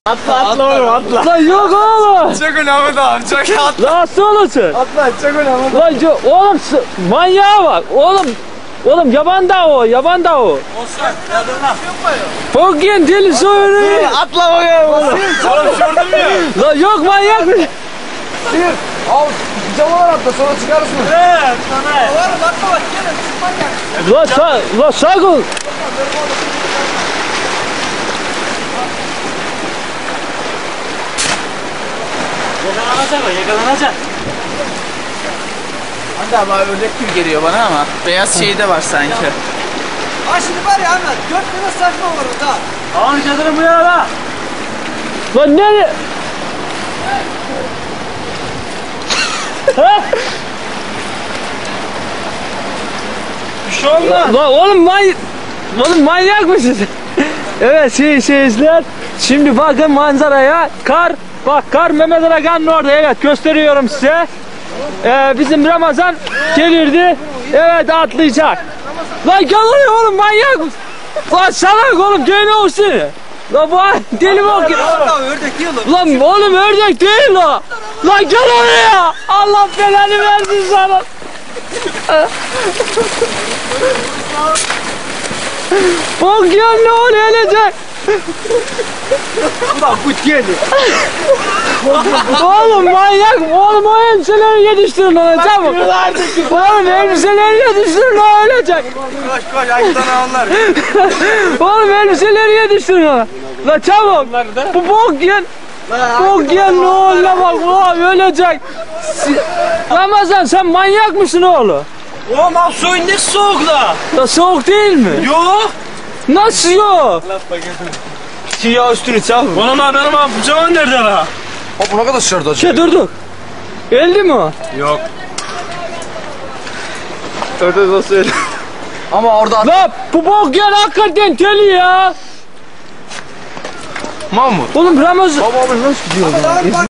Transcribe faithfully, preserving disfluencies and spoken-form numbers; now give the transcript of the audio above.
Atla atla oğlum atla. Lan yok oğlum. Çok önemli daha çok atla. Lan nasıl olursun? Atla çok önemli. Lan yo- oğlum manyağa bak. Oğlum oğlum yaban da o yaban da o. Olsun yadırma. Bugün deli soyunu. Atla bakalım oğlum. Oğlum şurdum ya. Lan yok manyak mı? Sıyır. Al pijamalar atla sonra çıkarırsın. Evet sana. Oğlum atla bak gelin çıkmak. Lan sa lan sakın. Yakalanacak o yakalanacak. Hadi ama ördek gibi geliyor bana ama beyaz şeyi de var sanki. Ha şimdi var ya Ahmet, dört tane saçma olur da. Ağın çadırı bu ya la. Lan nereye? Bir şey olmaz. Lan oğlum manyak. Oğlum manyak mısın? Evet şey seyirciler. Şimdi bakın manzaraya. Kar. Bak kar Mehmet Arakan'ın orada. Evet gösteriyorum size. Ee, bizim Ramazan gelirdi. Evet atlayacak. Lan gel oraya oğlum manyak mısın? Lan salak oğlum gene olsun. Lan bu deli mi o ki? Ördek değil o. Lan oğlum ördek değil o. Lan gel oraya. Allah belanı versin sana. Bak ya ne olacak? Ulan kut geldi. Oğlum manyak. Oğlum o elbiseleri yetiştirin ona çabuk. Oğlum elbiseleri yetiştirin o ölecek. Koş koş ayıptan onlar. Oğlum elbiseleri yetiştirin ona. La çabuk. Bu bok yen. Bok yen ne olur bak oğlum ölecek. Si- Ramazan sen manyak mısın oğlum? Oğlum abi suyun ne soğuk la. La soğuk değil mi? Yok. Nasıl yok? Siyah üstünü çabuk. Oğlum abi benim abi pijamam nerede la? Hop bu ne kadar şırdı acaba? Şey durduk. Öldü mü o? Yok. Ördek nasıl öyle? Ama orada La bu bok yen hakikaten deli ya. Mahmut. Oğlum Ramazan. Baba abi nasıl gidiyor?